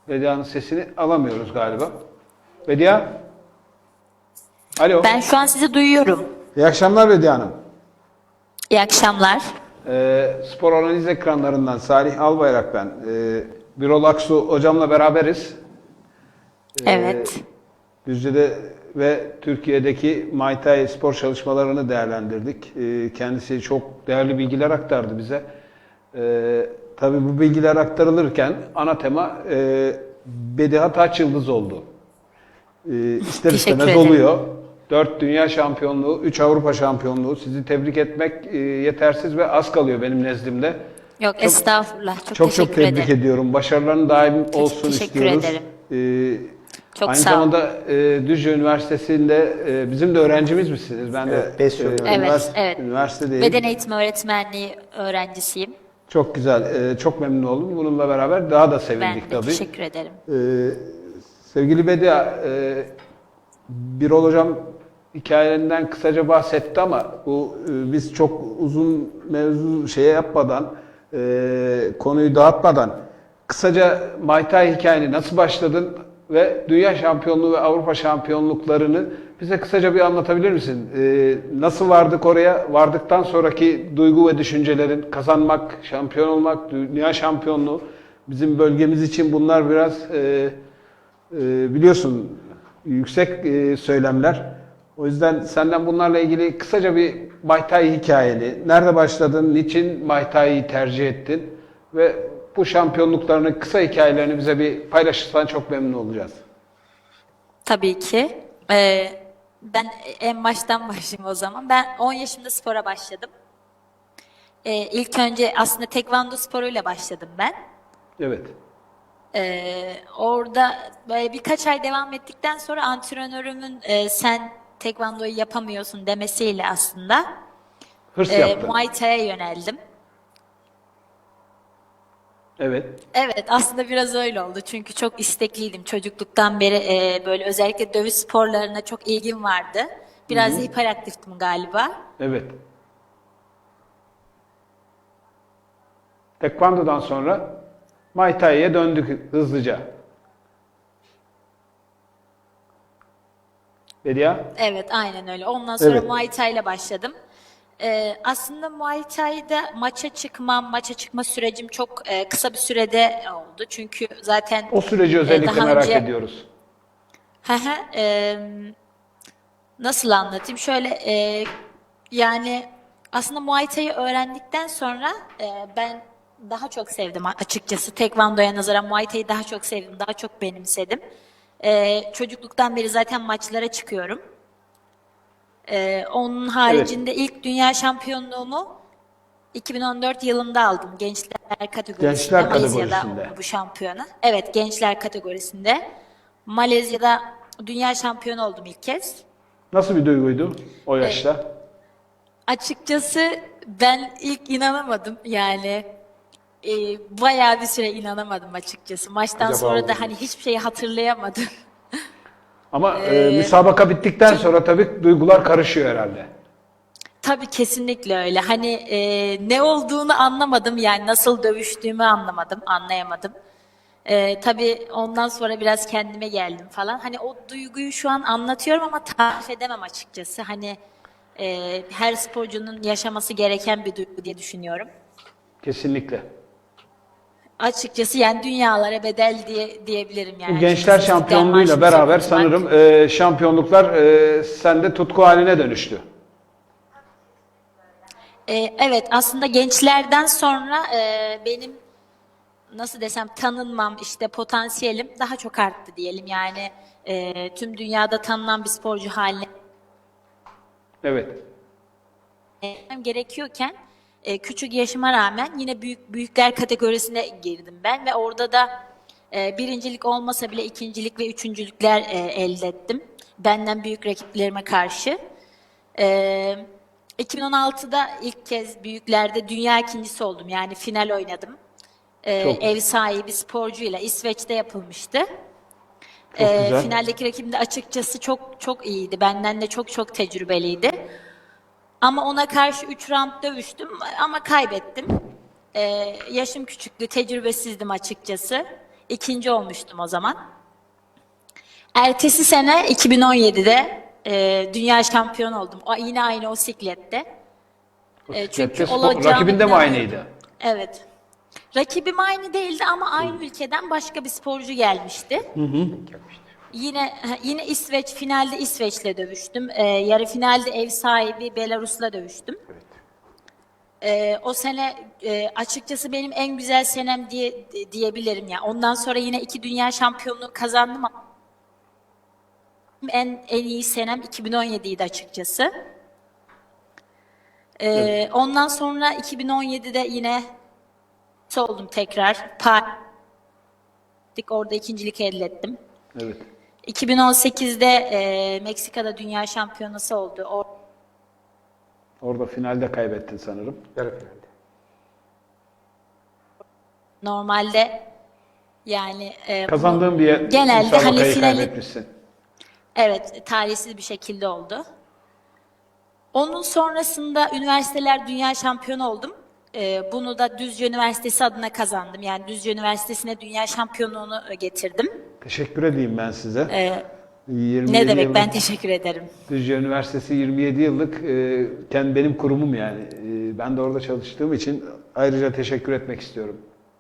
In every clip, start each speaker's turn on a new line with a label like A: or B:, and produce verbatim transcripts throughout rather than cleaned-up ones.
A: Bedia'nın sesini alamıyoruz galiba. Bedia? Alo.
B: Ben şu an sizi duyuyorum.
A: İyi akşamlar Bedia Hanım.
B: İyi akşamlar.
A: Ee, spor analiz ekranlarından Salih Albayrak ben. Ee, Birol Aksu hocamla beraberiz. Ee,
B: Evet.
A: Düzce'de ve Türkiye'deki Muay Thai spor çalışmalarını değerlendirdik. Ee, kendisi çok değerli bilgiler aktardı bize. Ee, tabii bu bilgiler aktarılırken ana tema e, Bediha Taç Yıldız oldu. Ee, ister
B: Teşekkür
A: istemez
B: ederim.
A: oluyor. Dört dünya şampiyonluğu, üç Avrupa şampiyonluğu. Sizi tebrik etmek e, yetersiz ve az kalıyor benim nezdimde.
B: Yok
A: Çok
B: estağfurullah. Çok,
A: çok, çok
B: teşekkür
A: tebrik
B: ederim.
A: ediyorum. Başarıların daim olsun
B: teşekkür
A: istiyoruz.
B: ederim.
A: Ee,
B: Çok
A: aynı
B: sağ olun.
A: zamanda e, Düzce Üniversitesi'nde e, bizim de öğrencimiz misiniz? Ben de
C: Evet, beş yıl
A: e,
C: öğrendim.
B: Evet,
A: üniversite,
B: evet.
A: üniversitedeyim.
B: Beden eğitimi öğretmenliği öğrencisiyim.
A: Çok güzel, e, çok memnun oldum. Bununla beraber daha da
B: Ben
A: sevindik
B: de
A: tabii.
B: teşekkür ederim.
A: Ee, sevgili Bedia, e, Birol Hocam hikayelerinden kısaca bahsetti ama bu e, biz çok uzun mevzu şeye yapmadan, e, konuyu dağıtmadan kısaca Muay Thai hikayeni nasıl başladın ve dünya şampiyonluğu ve Avrupa şampiyonluklarını bize kısaca bir anlatabilir misin? E, nasıl vardık oraya? Vardıktan sonraki duygu ve düşüncelerin, kazanmak, şampiyon olmak, dünya şampiyonluğu bizim bölgemiz için bunlar biraz e, e, biliyorsun yüksek e, söylemler. O yüzden senden bunlarla ilgili kısaca bir Muay Thai hikayeni, nerede başladın, niçin Muay Thai'yi tercih ettin ve bu şampiyonluklarının kısa hikayelerini bize bir paylaşırsan çok memnun olacağız.
B: Tabii ki. Ee, ben en baştan başlayayım o zaman. Ben on yaşımda spora başladım. Ee, ilk önce aslında tekvando sporuyla başladım ben.
A: Evet.
B: Ee, orada böyle birkaç ay devam ettikten sonra antrenörümün e, sen tekvandoyu yapamıyorsun demesiyle aslında
A: Hırs
B: e,
A: yaptın.
B: Muay Thai'ye yöneldim.
A: Evet.
B: Evet, aslında biraz öyle oldu. Çünkü çok istekliydim. Çocukluktan beri e, böyle özellikle dövüş sporlarına çok ilgim vardı. Biraz da hiperaktiftim galiba.
A: Evet. Tekvando'dan sonra Muay Thai'ye döndük hızlıca. Bedia?
B: Evet, aynen öyle. Ondan sonra
A: Evet.
B: Muay Thai ile başladım. Ee, aslında Muay Thai'de maça çıkmam, maça çıkma sürecim çok e, kısa bir sürede oldu. Çünkü zaten
A: O süreci
B: e,
A: özellikle
B: daha
A: merak
B: önce
A: ediyoruz.
B: Hı hı, e, nasıl anlatayım? Şöyle e, yani aslında Muay Thai'yi öğrendikten sonra e, ben daha çok sevdim açıkçası. Tekvando'ya nazaran Muay Thai'yi daha çok sevdim, daha çok benimsedim. E, çocukluktan beri zaten maçlara çıkıyorum. Ee, onun haricinde ilk dünya şampiyonluğumu iki bin on dört yılında aldım gençler kategorisinde.
A: Gençler
B: Malezya'da
A: kategorisinde.
B: oldu bu şampiyona. Evet, gençler kategorisinde. Malezya'da dünya şampiyonu oldum ilk kez.
A: Nasıl bir duyguydu o yaşta?
B: Açıkçası ben ilk inanamadım yani. E, bayağı bir süre inanamadım açıkçası. Maçtan
A: Acaba
B: sonra
A: oldu
B: da
A: mu?
B: hani hiçbir şeyi hatırlayamadım.
A: Ama e, müsabaka bittikten sonra tabii duygular karışıyor herhalde.
B: Tabii kesinlikle öyle. Hani e, ne olduğunu anlamadım yani nasıl dövüştüğümü anlamadım, anlayamadım. E, tabii ondan sonra biraz kendime geldim falan. Hani o duyguyu şu an anlatıyorum ama tarif edemem açıkçası. Hani e, her sporcunun yaşaması gereken bir duygu diye düşünüyorum.
A: Kesinlikle.
B: Açıkçası yani dünyalara bedel diye diyebilirim yani.
A: Bu gençler
B: açıkçası. İstiklal
A: şampiyonluğuyla
B: Marşı'nı
A: beraber
B: okutmak.
A: sanırım e, şampiyonluklar e, sende tutku haline dönüştü.
B: E, evet, aslında gençlerden sonra e, benim nasıl desem tanınmam işte potansiyelim daha çok arttı diyelim yani e, tüm dünyada tanınan bir sporcu haline
A: Evet.
B: gelmem gerekiyorken e, küçük yaşıma rağmen yine büyük büyükler kategorisine girdim ben ve orada da e, birincilik olmasa bile ikincilik ve üçüncülükler e, elde ettim benden büyük rakiplerime karşı. E, iki bin on altıda ilk kez büyüklerde dünya ikincisi oldum yani final oynadım. Ee,
A: Çok,
B: ev sahibi sporcuyla İsveç'te yapılmıştı.
A: çok
B: Ee,
A: güzel.
B: finaldeki rakibim de açıkçası çok çok iyiydi. Benden de çok çok tecrübeliydi. Ama ona karşı üç round dövüştüm ama kaybettim. Ee, yaşım küçüktü, tecrübesizdim açıkçası. ikinci olmuştum o zaman. Ertesi sene iki bin on yedide e, dünya şampiyonu oldum. O, yine aynı o siklette. E, çünkü
A: Spor-
B: olacağını
A: rakibin de mi
B: inanıyorum.
A: aynıydı?
B: Evet. Rakibim aynı değildi ama aynı ülkeden başka bir sporcu gelmişti. Yine yine İsveç, finalde İsveç'le dövüştüm. Ee, yarı finalde ev sahibi Belarus'la dövüştüm. Ee, o sene e, açıkçası benim en güzel senem diye diyebilirim ya. Ondan sonra yine iki dünya şampiyonluğu kazandım ama en en iyi senem iki bin on yediydi açıkçası. Ee, ondan sonra iki bin on yedide yine oldum tekrar. Paris orada ikincilik elde ettim.
A: Evet.
B: iki bin on sekizde e, Meksika'da dünya şampiyonası oldu. O,
A: Orada finalde kaybettin sanırım.
C: Yarı finalde.
B: normalde yani e,
A: Kazandığın bir
B: genelde hani
A: müsabakayı
B: finali
A: kaybetmişsin.
B: evet talihsiz bir şekilde oldu. Onun sonrasında üniversiteler dünya şampiyonu oldum. E, bunu da Düzce Üniversitesi adına kazandım. Yani Düzce Üniversitesi'ne dünya şampiyonluğunu e, getirdim.
A: Teşekkür edeyim ben size.
B: E,
A: yirmi
B: ne
A: yedi
B: demek
A: yıllık
B: ben teşekkür ederim.
A: Düzce Üniversitesi yirmi yedi yıllık e, kendi benim kurumum yani. E, ben de orada çalıştığım için ayrıca teşekkür etmek istiyorum.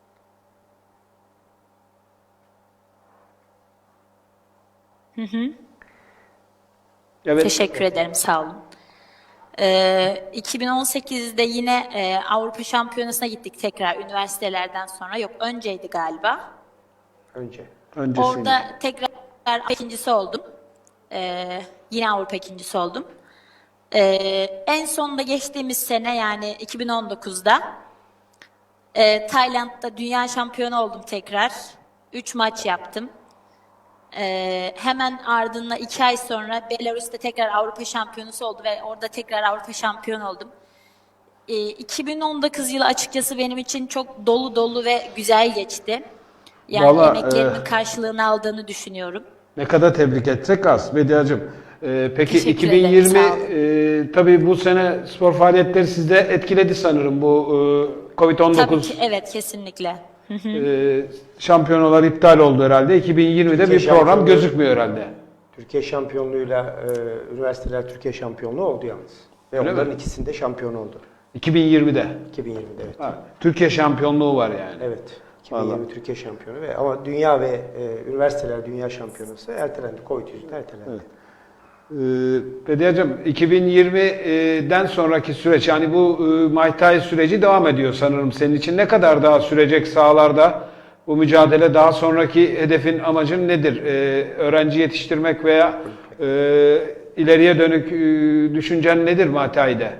A: Evet.
B: Teşekkür ederim, sağ olun. Ee, iki bin on sekizde yine e, Avrupa Şampiyonası'na gittik tekrar üniversitelerden sonra. Yok, önceydi galiba.
C: Önce.
A: Öncesinde.
B: Orada tekrar Avrupa ikincisi oldum. Ee, yine Avrupa ikincisi oldum. Ee, en sonunda geçtiğimiz sene yani iki bin on dokuzda e, Tayland'da dünya şampiyonu oldum tekrar. Üç maç yaptım. Ee, hemen ardından iki ay sonra Belarus'ta tekrar Avrupa şampiyonusu oldu ve orada tekrar Avrupa şampiyonu oldum. Ee, iki bin on dokuz yılı açıkçası benim için çok dolu dolu ve güzel geçti. Yani
A: Vallahi,
B: emeklerimin
A: e,
B: karşılığını aldığını düşünüyorum.
A: Ne kadar tebrik etsek az Bediacığım. Ee, peki
B: Teşekkür
A: iki bin yirmi
B: ederim, sağ olun.
A: e, tabii bu sene spor faaliyetleri sizde etkiledi sanırım bu e, Covid on
B: Tabii
A: dokuz
B: ki, evet, kesinlikle.
A: e, şampiyonalar iptal oldu herhalde. iki bin yirmide
C: Türkiye
A: bir program
C: şampiyonluğu-
A: gözükmüyor herhalde.
C: Türkiye şampiyonluğuyla e, üniversiteler Türkiye şampiyonluğu oldu yalnız. Ve
A: Öyle
C: onların
A: mi?
C: ikisinde şampiyon oldu.
A: iki bin yirmide.
C: iki bin yirmide evet.
A: Ha, Türkiye şampiyonluğu var yani.
C: Evet. iki bin yirmi
A: Vallahi.
C: Türkiye şampiyonu ve ama dünya ve e, üniversiteler dünya şampiyonası ertelendi. Covid yüzünden ertelendi.
A: Evet. Ee, Bediacığım iki bin yirmiden sonraki süreç yani bu e, Muay Thai süreci devam ediyor sanırım senin için. Ne kadar daha sürecek sahalarda bu mücadele? Daha sonraki hedefin, amacın nedir? Ee, öğrenci yetiştirmek veya e, ileriye dönük e, düşüncen nedir Muay Thai'de?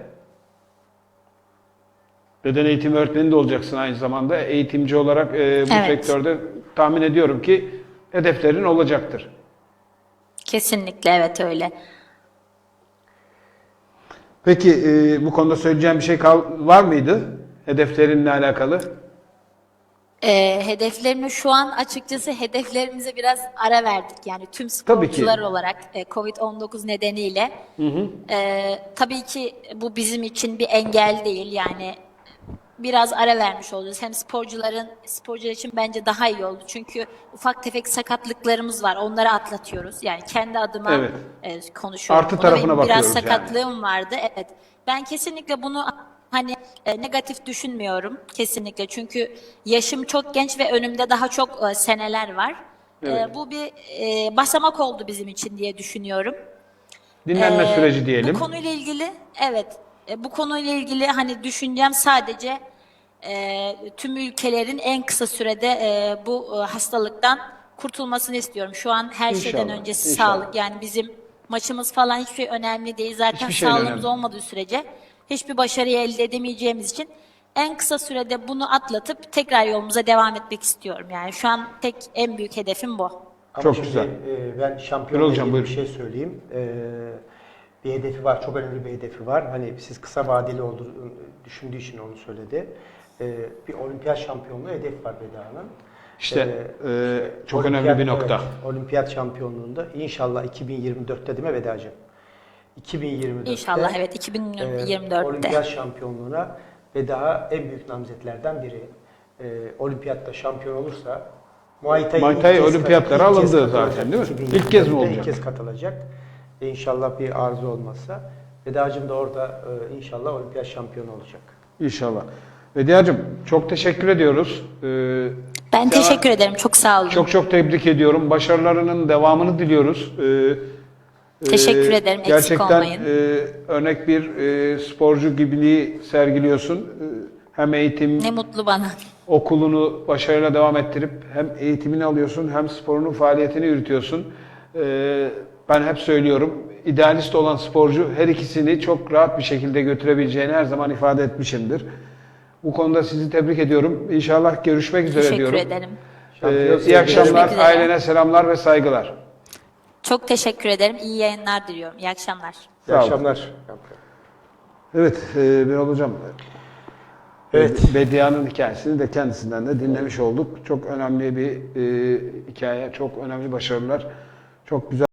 A: Beden eğitimi öğretmeni de olacaksın aynı zamanda. Eğitimci olarak e, bu
B: Evet.
A: sektörde tahmin ediyorum ki hedeflerin olacaktır.
B: Kesinlikle, evet, öyle.
A: Peki e, bu konuda söyleyeceğim bir şey kal var mıydı? Hedeflerinle alakalı?
B: Ee, hedeflerimi şu an açıkçası hedeflerimize biraz ara verdik. Yani tüm
A: Tabii ki.
B: sporcular olarak e, Covid on dokuz nedeniyle. Ee, tabii ki bu bizim için bir engel değil. Yani biraz ara vermiş olacağız. Hem sporcuların, sporcular için bence daha iyi oldu. Çünkü ufak tefek sakatlıklarımız var. Onları atlatıyoruz. Yani kendi adıma
A: Evet.
B: e, konuşuyorum.
A: Artı
B: Bunu.
A: tarafına
B: Benim
A: bakıyoruz
B: biraz
A: yani.
B: sakatlığım vardı. Evet. Ben kesinlikle bunu hani e, negatif düşünmüyorum. Kesinlikle. Çünkü yaşım çok genç ve önümde daha çok e, seneler var. E,
A: Evet.
B: bu bir e, basamak oldu bizim için diye düşünüyorum.
A: Dinlenme
B: Ee,
A: süreci diyelim.
B: Bu konuyla ilgili, evet, e, bu konuyla ilgili hani düşüncem sadece e, tüm ülkelerin en kısa sürede e, bu e, hastalıktan kurtulmasını istiyorum. Şu an her şeyden
A: İnşallah,
B: öncesi
A: inşallah.
B: sağlık. Yani bizim maçımız falan hiçbir şey önemli değil. Zaten
A: Hiçbir şey
B: sağlığımız
A: önemli.
B: olmadığı sürece hiçbir başarıyı elde edemeyeceğimiz için en kısa sürede bunu atlatıp tekrar yolumuza devam etmek istiyorum. Yani şu an tek en büyük hedefim bu.
C: Ama
A: Çok
C: şimdi,
A: güzel.
C: e, ben şampiyonla
A: Birol Hocam,
C: ilgili bir
A: buyurun.
C: şey söyleyeyim. E, bir hedefi var, çok önemli bir hedefi var. Hani siz kısa vadeli olduğunu düşündüğü için onu söyledi. E, bir olimpiyat şampiyonluğu hedef var Beda'nın.
A: İşte
C: Ee,
A: e, çok
C: olimpiyat-
A: önemli bir nokta.
C: evet, olimpiyat şampiyonluğunda inşallah iki bin yirmi dörtte değil mi Vedacığım? iki bin yirmi dörtte
B: İnşallah, evet, iki bin yirmi dörtte.
C: e, olimpiyat şampiyonluğuna ve daha en büyük namzetlerden biri. E, olimpiyatta şampiyon olursa Muay Thai,
A: Muay
C: ilk
A: Thai
C: kez-
A: olimpiyatlara
C: ilk kez
A: alındı
C: katılacak
A: zaten, değil mi?
C: iki bin
A: İlk kez mi
C: yirmide,
A: olacak?
C: İlk kez katılacak. E, İnşallah bir arıza olmazsa. Vedacığım da orada e, inşallah olimpiyat şampiyonu olacak.
A: İnşallah. Bediacığım çok teşekkür ediyoruz. Ee,
B: Ben
A: sana
B: teşekkür ederim. Çok sağ olun.
A: Çok çok tebrik ediyorum. Başarılarının devamını diliyoruz. Ee,
B: Teşekkür
A: e,
B: ederim, eksik
A: Gerçekten
B: olmayın.
A: e, örnek bir e, sporcu gibiliği sergiliyorsun. E, hem eğitim,
B: Ne mutlu bana.
A: okulunu başarıyla devam ettirip hem eğitimini alıyorsun hem sporunun faaliyetini yürütüyorsun. Ee, ben hep söylüyorum, idealist olan sporcu her ikisini çok rahat bir şekilde götürebileceğini her zaman ifade etmişimdir. Bu konuda sizi tebrik ediyorum. İnşallah görüşmek üzere
B: Teşekkür
A: diyorum.
B: ederim.
A: Ee,
C: Şampiyon
A: iyi
C: sevgiler.
A: akşamlar,
B: Görüşmek üzere.
A: ailene selamlar ve saygılar.
B: Çok teşekkür ederim. İyi yayınlar diliyorum. İyi akşamlar.
C: İyi
A: Sağ olun.
C: akşamlar.
A: Evet, e, Birol Hocam.
C: Evet.
A: Bedia'nın hikayesini de kendisinden de dinlemiş olduk. Çok önemli bir e, hikaye, çok önemli başarılar, çok güzel.